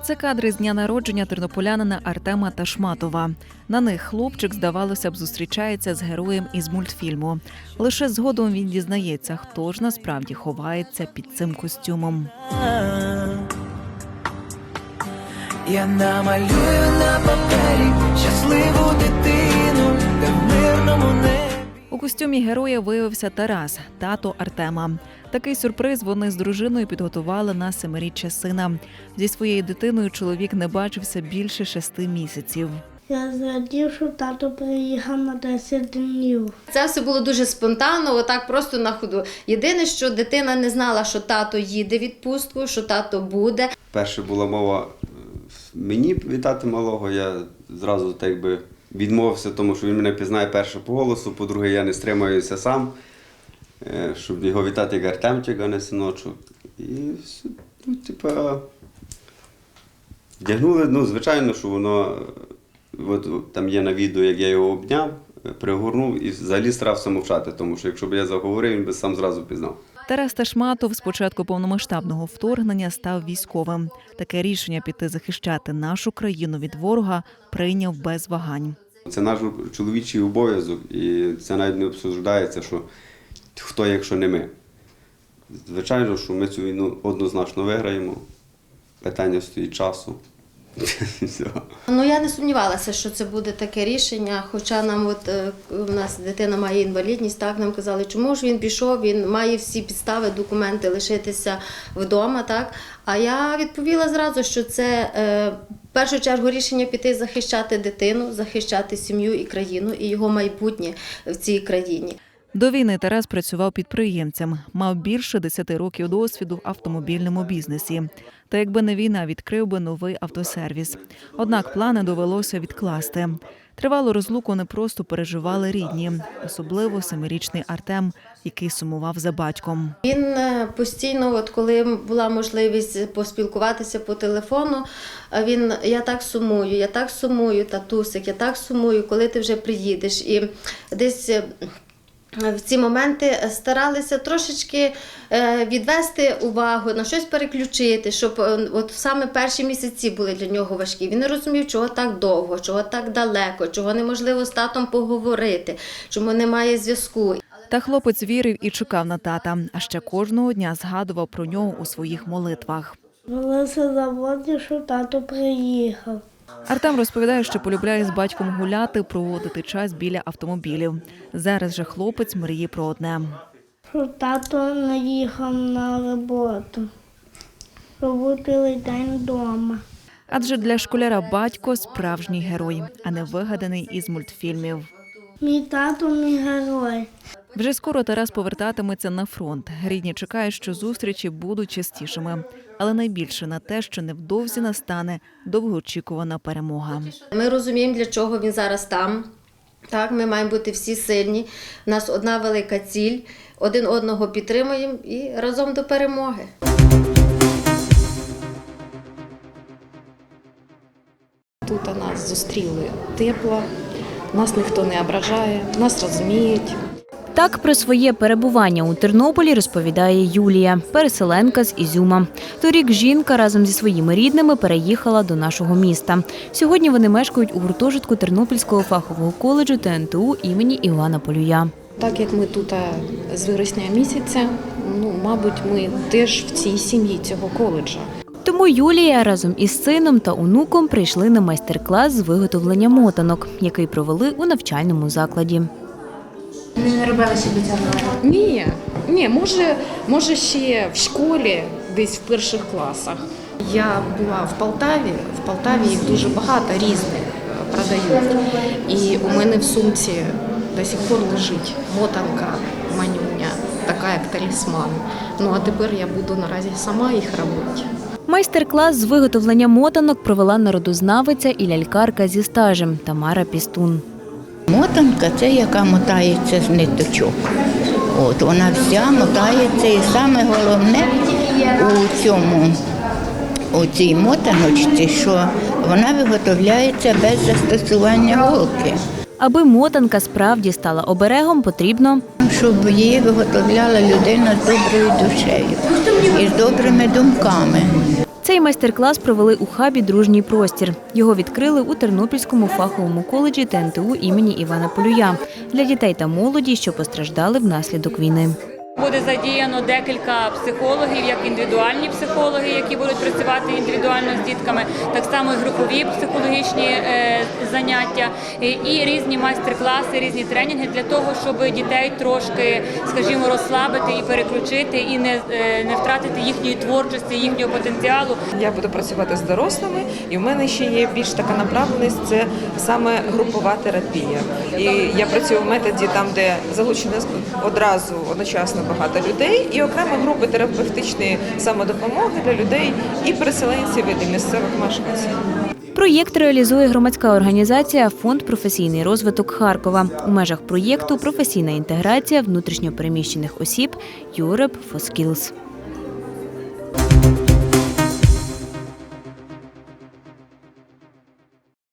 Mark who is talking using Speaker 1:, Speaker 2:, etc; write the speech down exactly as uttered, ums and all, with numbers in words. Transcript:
Speaker 1: Це кадри з дня народження тернополянина Артема Ташматова. На них хлопчик, здавалося б, зустрічається з героєм із мультфільму. Лише згодом він дізнається, хто ж насправді ховається під цим костюмом.
Speaker 2: Я намалюю на папері щасливу дитину, де в мирному небі.
Speaker 1: У костюмі героя виявився Тарас, тато Артема. Такий сюрприз вони з дружиною підготували на семиріччя сина. Зі своєю дитиною чоловік не бачився більше шести місяців.
Speaker 3: Я зрадів, що тато приїхав на десять днів.
Speaker 4: Це все було дуже спонтанно, отак просто на ходу. Єдине, що дитина не знала, що тато їде в відпустку, що тато буде.
Speaker 5: Перше була мова мені вітати малого, я зразу так би відмовився, тому що він мене пізнає перше по голосу, по-друге, я не стримаюся сам, щоб його вітати як Артемчик, а не синочок. І, ну, типа, вдягнули, ну, звичайно, що воно, от там є на відео, як я його обняв, пригорнув і взагалі старався мовчати, тому що якщо б я заговорив, він би сам зразу пізнав.
Speaker 1: Тарас Ташматов з початку повномасштабного вторгнення став військовим. Таке рішення піти захищати нашу країну від ворога прийняв без вагань.
Speaker 5: Це наш чоловічий обов'язок, і це навіть не обсуждається, що хто, якщо не ми. Звичайно, що ми цю війну однозначно виграємо. Питання стоїть часу.
Speaker 4: Ну, я не сумнівалася, що це буде таке рішення, хоча нам, от у нас дитина має інвалідність, так, нам казали, чому ж він пішов, він має всі підстави, документи лишитися вдома, так. А я відповіла зразу, що це е, в першу чергу рішення піти захищати дитину, захищати сім'ю і країну, і його майбутнє в цій країні.
Speaker 1: До війни Тарас працював підприємцем, мав більше десяти років досвіду в автомобільному бізнесі. Та якби не війна, відкрив би новий автосервіс. Однак плани довелося відкласти. Тривалу розлуку не просто переживали рідні, особливо семирічний Артем, який сумував за батьком.
Speaker 4: Він постійно, от коли була можливість поспілкуватися по телефону, він: я так сумую, я так сумую, татусик, я так сумую, коли ти вже приїдеш. І десь в ці моменти старалися трошечки відвести увагу, на щось переключити, щоб от саме перші місяці були для нього важкі. Він не розумів, чого так довго, чого так далеко, чого неможливо з татом поговорити, чому немає зв'язку.
Speaker 1: Та хлопець вірив і чекав на тата, а ще кожного дня згадував про нього у своїх молитвах.
Speaker 3: Молився за воді, що тато приїхав.
Speaker 1: Артем розповідає, що полюбляє з батьком гуляти, проводити час біля автомобілів. Зараз же хлопець мріє про одне.
Speaker 3: Що тато не їхав на роботу, що був цілий день вдома.
Speaker 1: Адже для школяра батько – справжній герой, а не вигаданий із мультфільмів.
Speaker 3: Мій тато – мій герой.
Speaker 1: Вже скоро Тарас повертатиметься на фронт. Рідні чекають, що зустрічі будуть частішими. Але найбільше на те, що невдовзі настане довгоочікувана перемога.
Speaker 4: Ми розуміємо, для чого він зараз там. Так, ми маємо бути всі сильні. У нас одна велика ціль. Один одного підтримуємо і разом до перемоги.
Speaker 6: Тут нас зустріли тепло, нас ніхто не ображає, нас розуміють.
Speaker 7: Так про своє перебування у Тернополі розповідає Юлія, переселенка з Ізюма. Торік жінка разом зі своїми рідними переїхала до нашого міста. Сьогодні вони мешкають у гуртожитку Тернопільського фахового коледжу Те Ен Те У імені Івана Полюя.
Speaker 6: Так як ми тут з вересня місяця, ну, мабуть, ми теж в цій сім'ї цього коледжа.
Speaker 7: Тому Юлія разом із сином та онуком прийшли на майстер-клас з виготовлення мотанок, який провели у навчальному закладі.
Speaker 8: Ви не робили собі цього?
Speaker 6: Ні, ні, може, може ще в школі, десь в перших класах. Я була в Полтаві, в Полтаві їх дуже багато різних продають. І у мене в сумці до сих пор лежить мотанка манюня, така як талісман. Ну а тепер я буду наразі сама їх робити.
Speaker 7: Майстер-клас з виготовлення мотанок провела народознавиця і лялькарка зі стажем Тамара Пістун.
Speaker 9: Мотанка – це яка мотається з ниточок. От, вона вся мотається, і саме головне у цьому, у цій мотаночці, що вона виготовляється без застосування голки.
Speaker 7: Аби мотанка справді стала оберегом, потрібно,
Speaker 9: щоб її виготовляла людина з доброю душею і з добрими думками.
Speaker 7: Цей майстер-клас провели у хабі «Дружній простір». Його відкрили у Тернопільському фаховому коледжі Те Ен Те У імені Івана Полюя для дітей та молоді, що постраждали внаслідок війни.
Speaker 10: Буде задіяно декілька психологів, як індивідуальні психологи, які будуть працювати індивідуально з дітками, так само і групові психологічні е, заняття, і, і різні майстер-класи, різні тренінги для того, щоб дітей трошки, скажімо, розслабити і переключити, і не, е, не втратити їхньої творчості, їхнього потенціалу.
Speaker 11: Я буду працювати з дорослими, і в мене ще є більш така направленість – це саме групова терапія. І я працюю в методі там, де залучено одразу одночасно багато людей, і окремо групи терапевтичної самодопомоги для людей і переселенців, і місцевих мешканців.
Speaker 7: Проєкт реалізує громадська організація «Фонд професійний розвиток Харкова». У межах проєкту «Професійна інтеграція внутрішньо переміщених осіб Europe for Skills».